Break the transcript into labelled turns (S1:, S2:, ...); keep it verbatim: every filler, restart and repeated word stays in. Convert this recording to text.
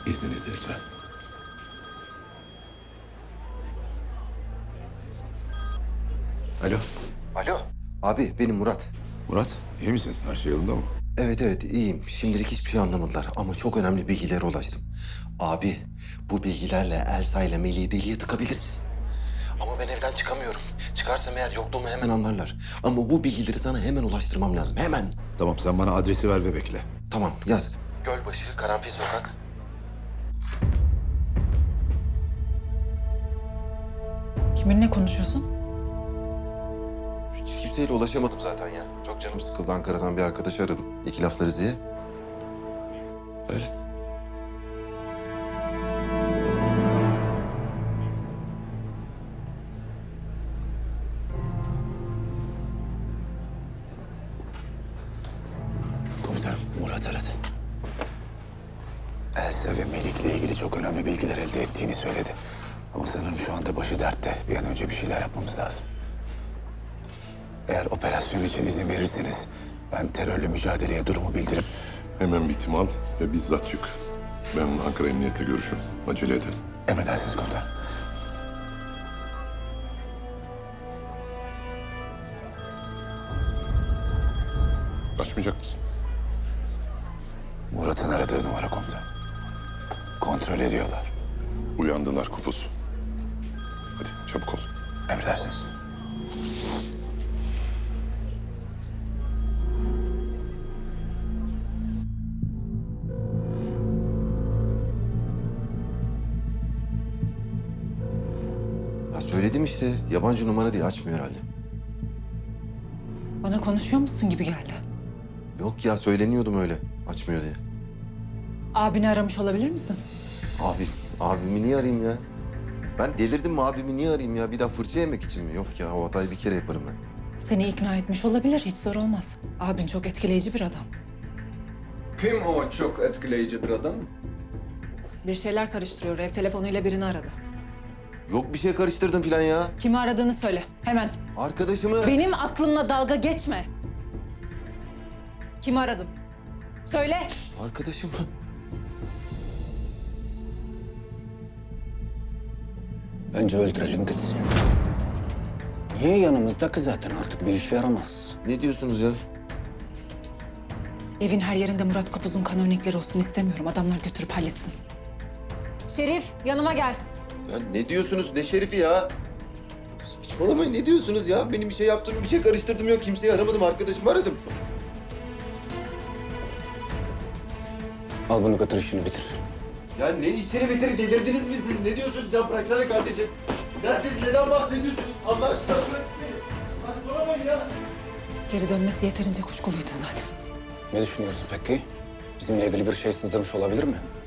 S1: İzninizle lütfen. Alo.
S2: Alo. Abi benim Murat.
S1: Murat, iyi misin? Her şey yolunda mı?
S2: Evet evet iyiyim. Şimdilik hiçbir şey anlamadılar ama çok önemli bilgilere ulaştım. Abi bu bilgilerle Elsa ile Melih'i deliye tıkabiliriz. Ama ben evden çıkamıyorum. Çıkarsam eğer yokluğumu hemen anlarlar. Ama bu bilgileri sana hemen ulaştırmam lazım. Hemen.
S1: Tamam, sen bana adresi ver ve bekle.
S2: Tamam yaz. Gölbaşı, Karanfil Sokak.
S3: Kiminle konuşuyorsun?
S2: Hiç kimseyle ulaşamadım zaten ya. Çok canım sıkıldı. Ankara'dan bir arkadaş aradım. İki laflarız diye. Öyle.
S1: Komutanım, Murat aradı. Elsa ve Melik'le ilgili çok önemli bilgiler elde ettiğini söyledi. Ama sanırım şu anda başı dertte. Bir an önce bir şeyler yapmamız lazım. Eğer operasyon için izin verirseniz ben terörle mücadeleye durumu bildirip...
S4: Hemen bir tim al ve bizzat çık. Ben Ankara Emniyet'le görüşüm. Acele edelim.
S1: Emredersiniz komutanım.
S4: Açmayacak mısın?
S1: Murat'ın aradığı numara komutan. Kontrol ediyorlar.
S4: Uyandılar Kupus. Hadi çabuk ol.
S1: Emredersiniz.
S2: Ya söyledim işte. Yabancı numara diye açmıyor herhalde.
S3: Bana konuşuyor musun gibi geldi.
S2: Yok ya söyleniyordum öyle. Açmıyor diye.
S3: Abini aramış olabilir misin?
S2: Abi, abimi niye arayayım ya? Ben delirdim mi abimi niye arayayım ya? Bir daha fırça yemek için mi? Yok ya o hatayı bir kere yaparım ben.
S3: Seni ikna etmiş olabilir, hiç zor olmaz. Abin çok etkileyici bir adam.
S5: Kim o çok etkileyici bir adam?
S3: Bir şeyler karıştırıyor, ev telefonuyla birini aradı.
S2: Yok bir şey karıştırdım falan ya.
S3: Kimi aradığını söyle, hemen.
S2: Arkadaşımı...
S3: Benim aklımla dalga geçme. Kimi aradın? Söyle.
S2: Arkadaşımı...
S6: Bence öldürelim gitsin. Niye yanımızda ki zaten artık bir işe yaramaz.
S2: Ne diyorsunuz ya?
S3: Evin her yerinde Murat Kopuz'un kan örnekleri olsun istemiyorum. Adamlar götürüp halletsin. Şerif, yanıma gel.
S2: Ya ne diyorsunuz? Ne şerifi ya? Saçmalamayın ne diyorsunuz ya? Benim bir şey yaptığım, bir şey karıştırdım yok. Kimseyi aramadım, arkadaşımı aradım.
S6: Al bunu götür işini bitir.
S2: Ya ne işleri bitiri delirdiniz mi siz? Ne diyorsunuz ya? Bıraksana kardeşim. Ya siz neden bahsediyorsunuz? Allah aşkına bırakın beni. Saçmalamayın ya.
S3: Geri dönmesi yeterince kuşkuluydu zaten.
S6: Ne düşünüyorsun peki? Bizimle ilgili bir şey sızdırmış olabilir mi?